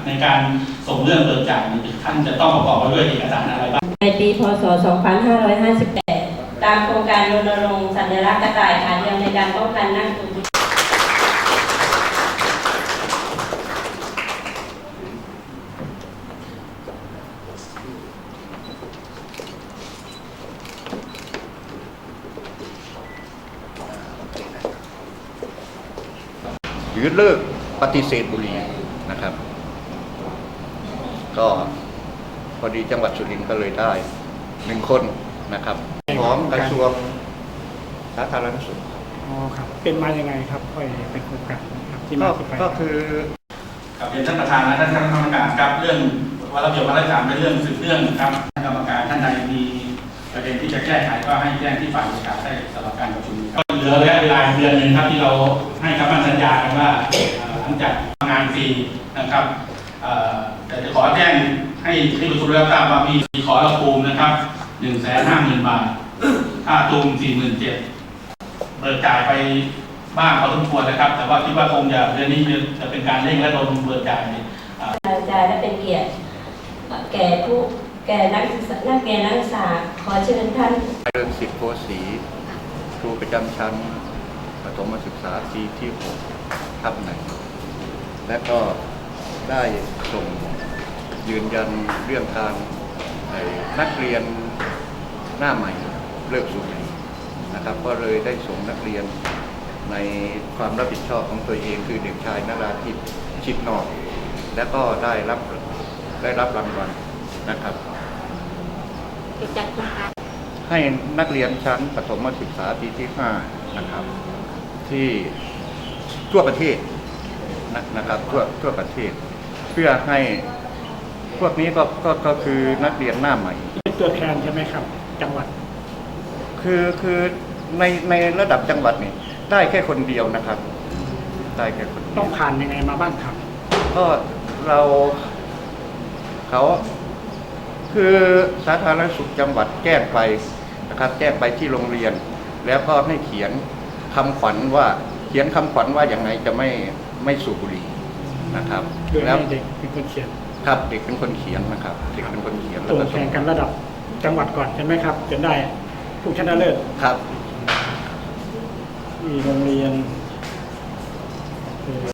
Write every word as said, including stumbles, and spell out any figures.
ในการส่งเรื่องเบิกจ่ายท่านจะต้องประกอบไปด้วยเอกสารอะไรบ้างในปีพ.ศ. สองพันห้าร้อยห้าสิบแปด ตามโครงการรณรงค์สัญลักษณ์กระต่ายขาเดียวในการป้องกันนักทุนหรือเลิกปฏิเสธบุหรี่นะครับก็พอดีจังหวัดสุรินทร์ก็เลยได้หนึ่งคนนะครับของกระทรวงสาธารณสุขอ๋อครับเป็นมายังไงครับค่อยเป็นโครงการครับที่มาที่ไปก็คือกับเรียนท่านประธานและท่านคณะกรรมการครับเรื่องวาระเบียบวาระสามเป็นเรื่องสืบเรื่องครับท่านกรรมการท่านใดมีประเด็นที่จะแก้ไขก็ให้แจ้งที่ฝ่ายบริการได้สำหรับการประชุมครับเหลือระยะเวลาเดือนหนึ่งครับที่เราให้คำสัญญากันว่าหลังจากทำงานฟรีนะครับแต่จะขอแจ้งให้ที่ประชุมรับทราบว่ามีขอระภูมินะครับหนึ่งแสนห้าหมื่นบาทค่าตูมสี่หมื่นเจ็ดเบิกจ่ายไปบ้างพอสมควรนะครับแต่ว่าคิดว่าคงจะเดือนนี้จะเป็นการเร่งระดมเบิกจ่ายจ่ายและเป็นเกียรติแก่ผู้แก่นักศึกษานักเรียนนักศึกษาขอเชิญท่านเรื่องสิทธิโพสีครูประจำชั้นประถมศึกษาปีที่หกทับหนึ่งและก็ได้ส่งยืนยันเรื่องการนักเรียนหน้าใหม่เลิกสูบบุหรี่นะครับก็เลยได้ส่งนักเรียนในความรับผิดชอบของตัวเองคือเด็กชายนราธิปชิดนอกและก็ได้รับได้รับรางวัลนะครับให้นักเรียนชั้นประถมศึกษาปีที่ห้านะครับที่ทั่วประเทศนะครับทั่วทั่วประเทศเพื่อให้พวกนี้ก็ก็ก็คือนักเรียนหน้าใหม่เป็นตัวแทนใช่ไหมครับจังหวัดคือคือในในระดับจังหวัดนี่ได้แค่คนเดียวนะครับได้แค่คนต้องผ่านยังไงมาบ้างครับก็เราเขาคือสาธารณสุขจังหวัดแจ้งไปนะครับแจ้งไปที่โรงเรียนแล้วก็ให้เขียนคำขวัญว่าเขียนคำขวัญว่าอย่างไรจะไม่ไม่สูบบุหรี่นะครับแล้วเด็กเป็นคนเขียนครับเด็กเป็นคนเขียนนะครับเด็กเป็นคนเขียนแล้วก็แข่งกันระดับจังหวัดก่อนใช่ไหมครับจนได้ผู้ชนะเลิศครับที่โรงเรียน